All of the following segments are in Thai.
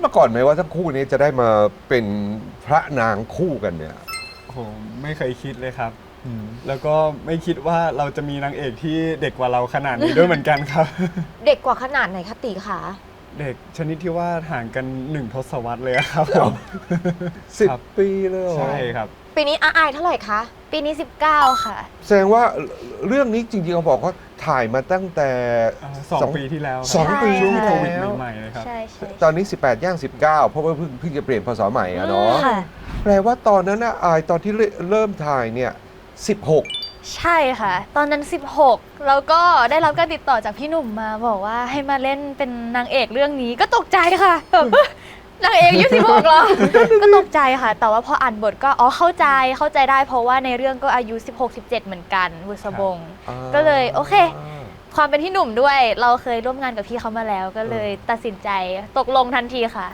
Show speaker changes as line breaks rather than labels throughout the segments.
มาก่อนไหมว่าทั้งคู่นี้จะได้มาเป็นพระนางคู่กันเนี่ย
ผมไม่เคยคิดเลยครับแล้วก็ไม่คิดว่าเราจะมีนางเอกที่เด็กกว่าเราขนาดนี้ด้วยเหมือนกันครับ
เด็กกว่าขนาดไหนคะตีขา
เด็กชนิดที่ว่าห่างกัน1 ทศวรรษเลยครับผม
10 ปีเลยเหรอ
ใช่ครับ
ปีนี้อายเท่าไหร่คะ
ปีนี้ 19 ค่ะ
แสดงว่าเรื่องนี้จริงๆเขาบอกว่าถ่ายมาตั้งแต่
2 ปีที่แล้วครับ
สองปี
ช่วง
ใช่
โควิด
แล้ว
ใหม่ๆเลยครับ
ใช่ใช่
ตอนนี้ 18 ย่าง 19 เพราะว่าเพิ่งจะเปลี่ยนพศใหม่อะเนาะ
ค่ะ
แปลว่าตอนนั้นนะอายตอนที่เริ่มถ่ายเนี่ย 16
ใช่ค่ะ ตอนนั้น 16 แล้วก็ได้รับการติดต่อจากพี่หนุ่มมาบอกว่าให้มาเล่นเป็นนางเอกเรื่องนี้ก็ตกใจค่ะแบบนางเอกอายุ16เหรอ ก็ตกใจค่ะ แต่ว่าพออ่านบทก็เข้าใจได้เพราะว่าในเรื่องก็อายุ 16-17 เหมือนกันบุษบง ก็เลยโอเค ความเป็นพี่หนุ่มด้วยเราเคยร่วมงานกับพี่เขามาแล้ว ก็เลยตัดสินใจตกลงทันทีค่ะ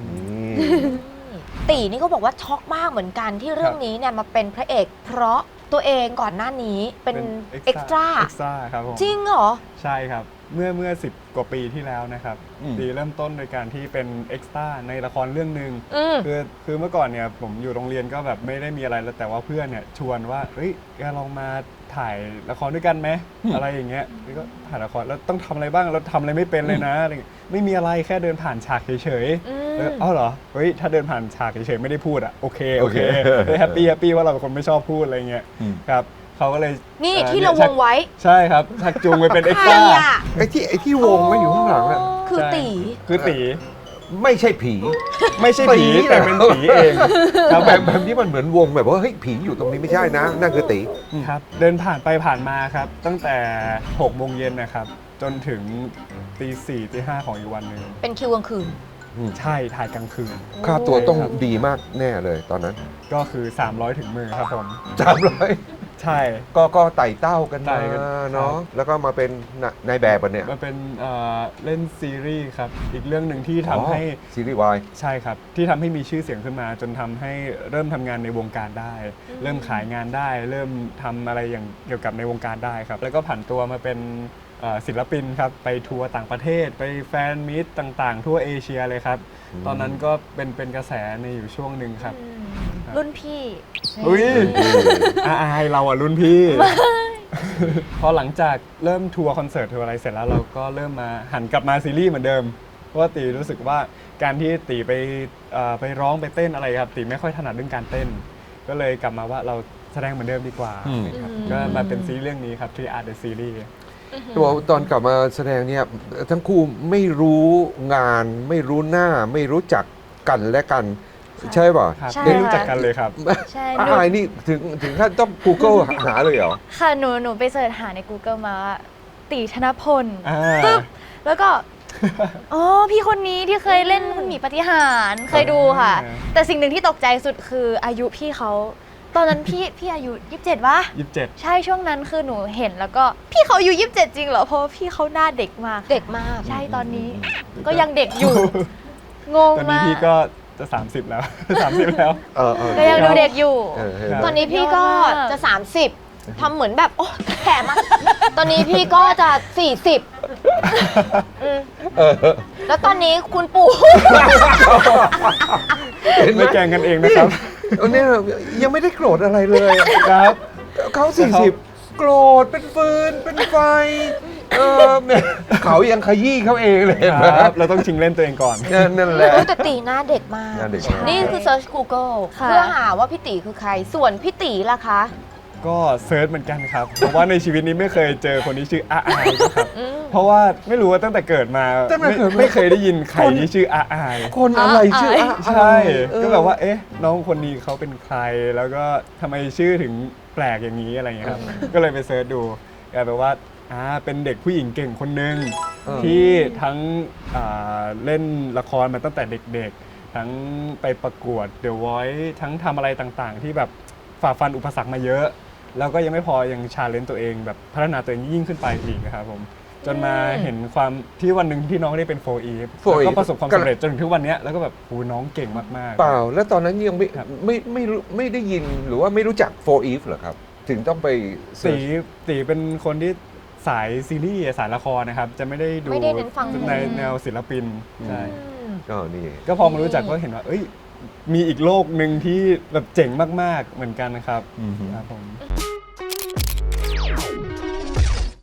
ตีนี่ก็บอกว่าช็อกมากเหมือนกันที่เรื่องนี้เนี่ยมาเป็นพระเอกเพราะตัวเองก่อนหน้านี้เป็นเอ็กซ์ตร้า
เอ็กซ์ตร้าครับผม
จริงเหรอ
ใช่ครับเมื่อ10 กว่าปีที่แล้วนะครับตีเริ่มต้นโดยการที่เป็นเอ็กซ์ตร้าในละครเรื่องหนึ่งคือเมื่อก่อนเนี่ยผมอยู่โรงเรียนก็แบบไม่ได้มีอะไรแล้วแต่ว่าเพื่อนเนี่ยชวนว่าเฮ้ยแกลองมาถ่ายละครด้วยกันไหมอะไรอย่างเงี้ยแล้วก็ถ่ายละครแล้วต้องทำอะไรบ้างเราทำอะไรไม่เป็นเลยนะอะไรไม่มีอะไรแค่เดินผ่านฉากเฉยๆอ้าวเหรอเฮ้ยถ้าเดินผ่านฉากเฉยๆไม่ได้พูดอ่ะโอเคแฮปปี้ว่าเราเป็นคนไม่ชอบพูดอะไรเงี้ยครับเขาก็เลย
นี่ที่เราวงไว้
ใช่ครับชักจูงไปเป็นเอ็กซ์
ใค
ต
ร
ร้า
อ่ะ
ไอ้ที่วงไม่อยู่ข้างหลังอะ
คือตี
คือตี
ไม่ใช่ผี
ไม่ใช่ผี
ตี
แต่เป็นผีเองครับ
แบบนี้มันเหมือนวงแบบว่าเฮ้ยผีอยู่ตรงนี้ไม่ใช่นะนั่นคือตี
ครับเดินผ่านไปผ่านมาครับตั้งแต่6 โมงเย็นนะครับจนถึงตี 4 ตี 5ของอีกวันหนึ่ง
เป็นคิวกลางคืน
ใช่ถ่ายกลางคืน
ค่าตัวต้องดีมากแน่เลยตอนนั้น
ก็คือ300 ถึงมือครับผม
300
ใช่
ก็ไต่เต้ากัน
ไต่
มา
กัน
เนาะแล้วก็มาเป็นนายแบบเนี่ย
มันเป็นเล่นซีรีส์ครับอีกเรื่องหนึ่งที่ทำให้
ซีรีส์วาย
ใช่ครับที่ทำให้มีชื่อเสียงขึ้นมา จนทำให้เริ่มทำงานในวงการได้ เริ่มขายงานได้ เริ่มทำอะไรอย่างเกี่ยวกับในวงการได้ครับแล้วก็ผันตัวมาเป็นศิลปินครับไปทัวร์ต่างประเทศไปแฟนมีตต่างๆ ทั่วเอเชียเลยครับตอนนั้นก็เป็นกระแสในอยู่ช่วงหนึ่งครับ
รุ่นพี่
อุ้ยอายเราอ่ะรุ่นพี่ พอหลังจากเริ่มทัวร์คอนเสิร์ตทัวร์อะไรเสร็จแล้วเราก็เริ่มมาหันกลับมาซีรีส์เหมือนเดิมเพราะว่าตีรู้สึกว่าการที่ตีไปร้องไปเต้นอะไรครับตีไม่ค่อยถนัดเรื่องการเต้น ก็เลยกลับมาว่าเราแสดงเหมือนเดิมดีกว่าครับก็มาเป็นซีรีส์เรื่องนี้ครับ Three Art the Series
ตัวตอนกลับมาแสดงเนี่ยทั้งคู่ไม่รู้งานไม่รู้หน้าไม่รู้จักกันและกัน ใช่ป่ะ
ครับ
ใช่
ได้รู้จักกันเลยครับ
ใช่
อายนี่ถึงขั้นต้อง Google หาเลยเหรอ
ค่ะหนูไปเสิร์ชหาใน Google มาว่าตีธนพล
อ่า
ปึ๊บแล้วก็ อ๋อพี่คนนี้ที่เคยเล่นคุณหมีปาฏิหาริย์เคยดูค่ะ แต่สิ่งหนึ่งที่ตกใจสุดคืออายุพี่เขาตอนนั้นพี่อายุ27วะ
27
ใช่ช่วงนั้นคือหนูเห็นแล้วก็พี่เขาอายุ27จริงเหรอเพราะว่าพี่เขาหน้าเด็กมาก
เด็กมาก
ใช่ตอนนี้ ก็ยังเด็กอยู่ งง
ตอนนี้
มาก
พี่ก็จะ 30 แล้ว 30 แล้ว
ก็ยังดูเด็กอยู่
ตอนนี้พี่ก็
ยอดมาก
จะ 30ทำเหมือนแบบโอ้แก่มากตอนนี้พี่ก็จะ 40แล้วตอนนี้คุณปู่
ไม่แกล้งกันเองนะครับ
เนี่ยยังไม่ได้โกรธอะไรเลย
ครับ
เขา40 โกรธเป็นฟืนเป็นไฟเนี่ยเขายังขยี้เขาเองเลย
ครับ เราต้องชิงเล่นตัวเองก่อน
นั่นแหละ
แต่ตีหน้าเด็กมาก
หน้าเด็กมาก
นี่คือ Search Google
ค่ะ
เพื่อหาว่าพี่ตีคือใคร ส่วนพี่ตีล่ะคะ
ก็เซิร์ชเหมือนกันครับ เพราะว่าในชีวิตนี้ไม่เคยเจอคนที่ชื่ออาอายนะครับ เพราะว่าไม่รู้ว่าตั้งแต่เกิดมาไม่เคยได้ยินใครที่ชื่ออาอาย
คนอะไรชื่อ
ใช่ก็แบบว่าเอ๊ะน้องคนนี้เขาเป็นใครแล้วก็ทำไมชื่อถึงแปลกอย่างนี้อะไรเงี้ยครับก็เลยไปเซิร์ชดูกลายเป็นว่าเป็นเด็กผู้หญิงเก่งคนหนึ่งที่ทั้งเล่นละครมาตั้งแต่เด็กๆทั้งไปประกวด The Voice ทั้งทำอะไรต่างๆ ที่แบบฝ่าฟันอุปสรรคมาเยอะ แล้วก็ยังไม่พอยังชาเลนจ์ตัวเองแบบพัฒนาตัวเองยิ่งขึ้นไปอีกนะครับผมจนมาเห็นความที่วันหนึ่งที่น้องได้เป็น4 Eve แล้วก็ประสบความสำเร็จจนถึงทุกวันนี้แล้วก็แบบโหน้องเก่งมากๆ
เปล่าแล้วตอนนั้นยัง
ครับ
ไม่ได้ยินหรือว่าไม่รู้จัก4 Eve เหรอครับ ถึงต้องไป
ตีเป็นคนที่สายซีรีส์สายละครนะครับ จะไม่ได้ดู
ไม่ได้เน้นฟังเพลง
ในแนวศิลปินใช่
ก็นี่
ก็พอมารู้จักก็เห็นว่าเอ้ยมีอีกโลกหนึ่งที่แบบเจ๋งมากๆเหมือนกันนะครับ
อือฮึ
ครับผม